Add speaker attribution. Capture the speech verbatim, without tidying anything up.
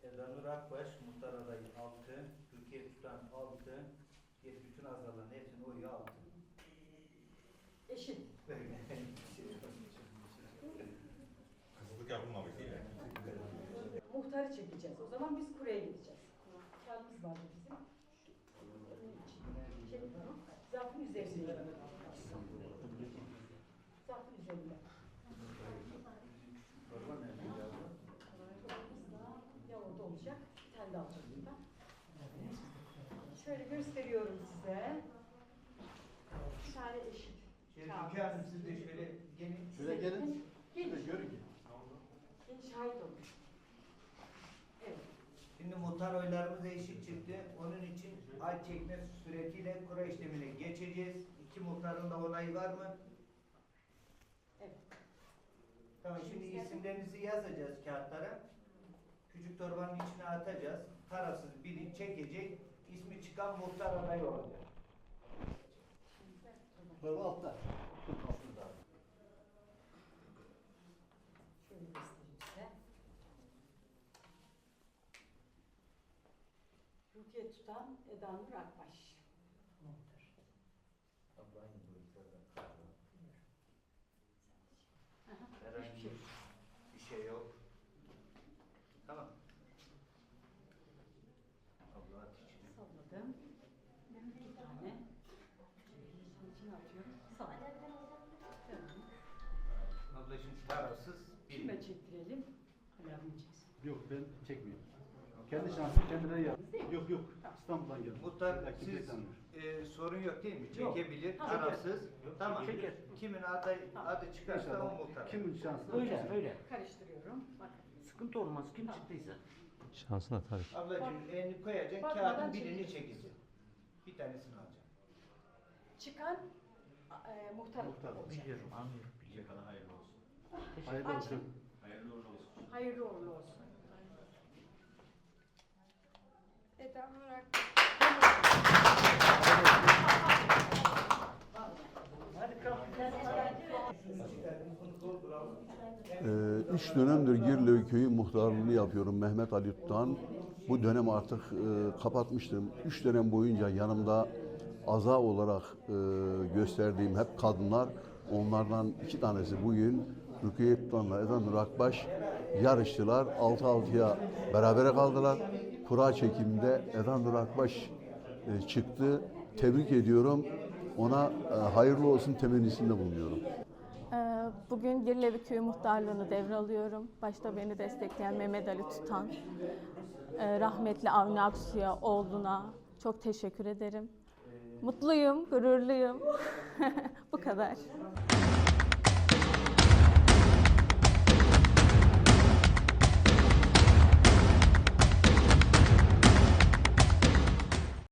Speaker 1: Eda Nur Akbaş, muhtar adayı altı, Türkiye tutan altı, diğer bütün azaların hepsinin oyu altı.
Speaker 2: Eşit.
Speaker 3: Kısıtlık yapılmamış değil mi?
Speaker 2: Muhtarı çekeceğiz. O zaman biz kuraya gideceğiz. Kağıdımız vardı bizim. Şey, zarfın üzerinde. Zarfın üzerinde. Ya orada olacak. Bir tane daha alacağım ben. Şöyle gösteriyorum size. Bir tane eşit.
Speaker 1: Şöyle Türkiye Hanım siz de şöyle gelin.
Speaker 4: Şöyle gelin.
Speaker 2: Gelin.
Speaker 4: Şöyle görün ki.
Speaker 2: Gelin şahit olun. Evet.
Speaker 1: Şimdi muhtar oylarımız eşit çıktı. Onun için ay çekme suretiyle kura işlemine geçeceğiz. İki muhtarın da onayı var mı?
Speaker 2: Evet.
Speaker 1: Tamam, şimdi isimlerinizi yazacağız kağıtlara. Küçük torbanın içine atacağız. Tarafsız biri çekecek. İsmi çıkan muhtar adayı olacak.
Speaker 4: Torba altta.
Speaker 2: Şöyle göstereyim size. Rukiye tutan Eda Nur Akbaş. Muhtar.
Speaker 1: Ablayın bu yukarıdan.
Speaker 2: Aha,
Speaker 1: Herhangi
Speaker 2: hiçbir şey.
Speaker 1: bir şey yok. Tamam. Abla at içine.
Speaker 2: Salladım. Bir tane. Şunun içine atıyorum. Salladım. Tamam.
Speaker 1: Abla şimdi tarafsız biri.
Speaker 2: Kime çektirelim? Alarmı çeksin.
Speaker 4: Yok ben çekmiyorum. Kendi şansım kendileri yap. Yok yok. İstanbul'dan geldim.
Speaker 1: Muhtar
Speaker 4: Belki
Speaker 1: siz
Speaker 4: beklenmiyor.
Speaker 1: e, sorun yok değil mi?
Speaker 2: Yok.
Speaker 1: Çekebilir,
Speaker 2: Tamam.
Speaker 1: tarafsız. Tamam.
Speaker 4: Çeker.
Speaker 1: Kimin adı, adı çıkarsa o
Speaker 4: İnşallah.
Speaker 1: muhtar.
Speaker 4: Kimin şansı?
Speaker 5: Öyle öyle.
Speaker 2: Karıştırıyorum. Bakın.
Speaker 5: Sıkıntı olmaz. Kim çıktıysa.
Speaker 6: Şansına tabii.
Speaker 1: Ablacığım elini koyacaksın,
Speaker 2: Bakmadan
Speaker 1: kağıdın birini
Speaker 2: çekeceksin.
Speaker 1: çekeceksin. Bir tanesini alacaksın.
Speaker 2: Çıkan e, muhtar,
Speaker 4: Muhtar.
Speaker 2: olacak.
Speaker 5: Biliyorum, anlıyorum.
Speaker 3: Şimdiye kadar hayırlı olsun.
Speaker 4: Hayırlı
Speaker 2: Açın.
Speaker 4: olsun.
Speaker 3: Hayırlı uğurlu olsun.
Speaker 2: Hayırlı uğurlu olsun.
Speaker 7: Eda Nurak.
Speaker 8: Ee, üç dönemdir Girlevi Köyü muhtarlığını yapıyorum Mehmet Ali Tutan. Bu dönem artık e, kapatmıştım. Üç dönem boyunca yanımda aza olarak e, gösterdiğim hep kadınlar. Onlardan iki tanesi bugün Rukiye Tutan'la Eda Nur Akbaş yarıştılar. Altı altıya berabere kaldılar. Kura çekiminde Eda Nur Akbaş e, çıktı. Tebrik ediyorum. Ona e, hayırlı olsun temennisinde bulunuyorum.
Speaker 7: Ee, Bugün Girlevi Köyü muhtarlığını devralıyorum. Başta beni destekleyen Mehmet Ali Tutan, e, rahmetli Avni Aksu'ya, oğluna çok teşekkür ederim. Mutluyum, gururluyum. Bu kadar.